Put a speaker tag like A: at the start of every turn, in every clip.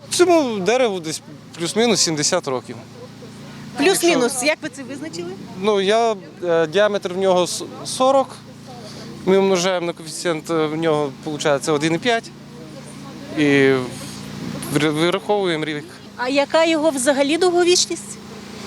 A: Цьому дереву десь плюс-мінус 70 років.
B: Плюс-мінус, як ви це визначили?
A: Діаметр в нього 40, ми умножаємо на коефіцієнт, в нього виходить 1,5 і вираховуємо рік.
B: А яка його взагалі довговічність?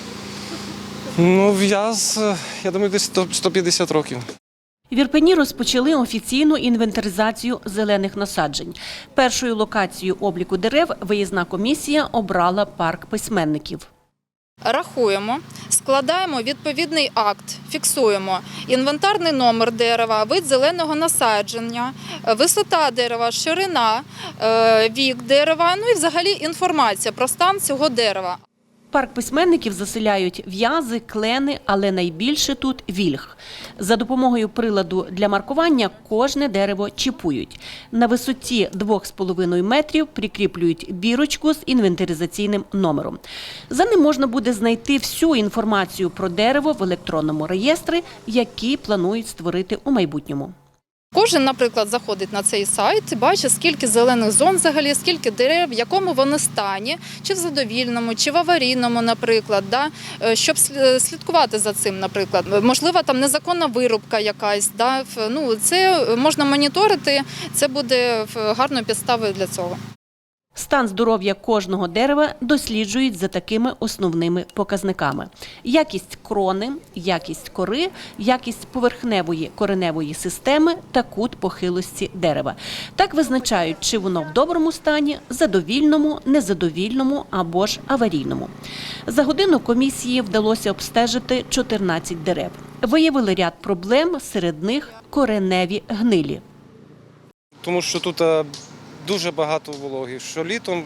A: Я думаю, десь 150 років.
C: В Ірпені розпочали офіційну інвентаризацію зелених насаджень. Першою локацією обліку дерев виїзна комісія обрала парк письменників.
D: Рахуємо, складаємо відповідний акт, фіксуємо інвентарний номер дерева, вид зеленого насадження, висота дерева, ширина, вік дерева, і взагалі інформація про стан цього дерева.
C: Парк письменників заселяють в'язи, клени, але найбільше тут вільх. За допомогою приладу для маркування кожне дерево чіпують. На висоті 2,5 метрів прикріплюють бірочку з інвентаризаційним номером. За ним можна буде знайти всю інформацію про дерево в електронному реєстрі, який планують створити у майбутньому.
D: Кожен, наприклад, заходить на цей сайт, бачить, скільки зелених зон взагалі, скільки дерев, в якому вони стані, чи в задовільному, чи в аварійному, наприклад, щоб слідкувати за цим, наприклад. Можливо, там незаконна вирубка якась, це можна моніторити, це буде гарною підставою для цього.
C: Стан здоров'я кожного дерева досліджують за такими основними показниками. Якість крони, якість кори, якість поверхневої кореневої системи та кут похилості дерева. Так визначають, чи воно в доброму стані, задовільному, незадовільному або ж аварійному. За годину комісії вдалося обстежити 14 дерев. Виявили ряд проблем, серед них кореневі гнилі.
A: Тому що тут дуже багато вологи, що літом,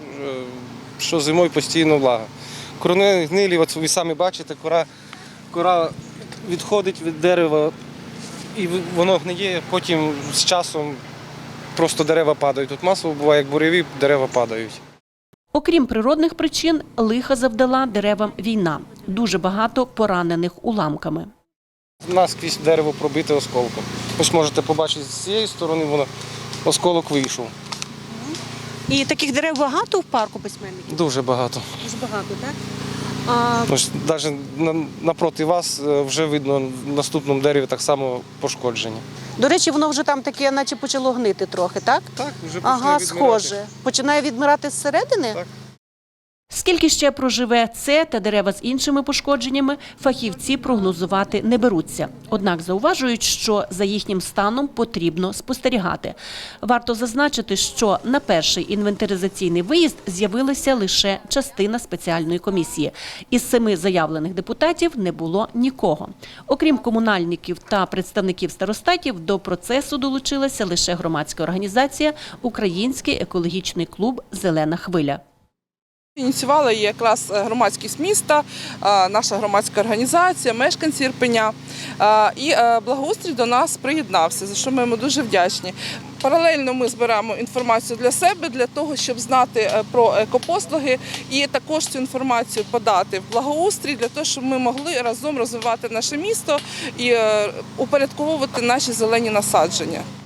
A: що зимою постійно влага. Кореневі гнилі, от ви самі бачите, кора відходить від дерева і воно гниє, потім з часом просто дерева падають. Тут масово буває, як буреві, дерева падають.
C: Окрім природних причин, лиха завдала деревам війна. Дуже багато поранених уламками.
A: Наскрізь дерево пробите осколком. Ось можете побачити, з цієї сторони осколок вийшов.
B: І таких дерев багато в парку письменників?
A: Дуже багато.
B: Дуже багато, так?
A: Навіть напроти вас вже видно в наступному дереві так само пошкодження.
B: До речі, воно вже там таке, наче почало гнити трохи, так?
A: Так, вже починає відмирати.
B: Схоже. Починає відмирати зсередини?
A: Так.
C: Скільки ще проживе це та дерева з іншими пошкодженнями, фахівці прогнозувати не беруться. Однак зауважують, що за їхнім станом потрібно спостерігати. Варто зазначити, що на перший інвентаризаційний виїзд з'явилася лише частина спеціальної комісії. Із 7 заявлених депутатів не було нікого. Окрім комунальників та представників старостатів, до процесу долучилася лише громадська організація «Український екологічний клуб «Зелена хвиля».
E: Ініціювала її якраз громадськість міста, наша громадська організація, мешканці Ірпеня. І благоустрій до нас приєднався, за що ми йому дуже вдячні. Паралельно ми збираємо інформацію для себе, для того, щоб знати про екопослуги і також цю інформацію подати в благоустрій, для того, щоб ми могли разом розвивати наше місто і упорядковувати наші зелені насадження.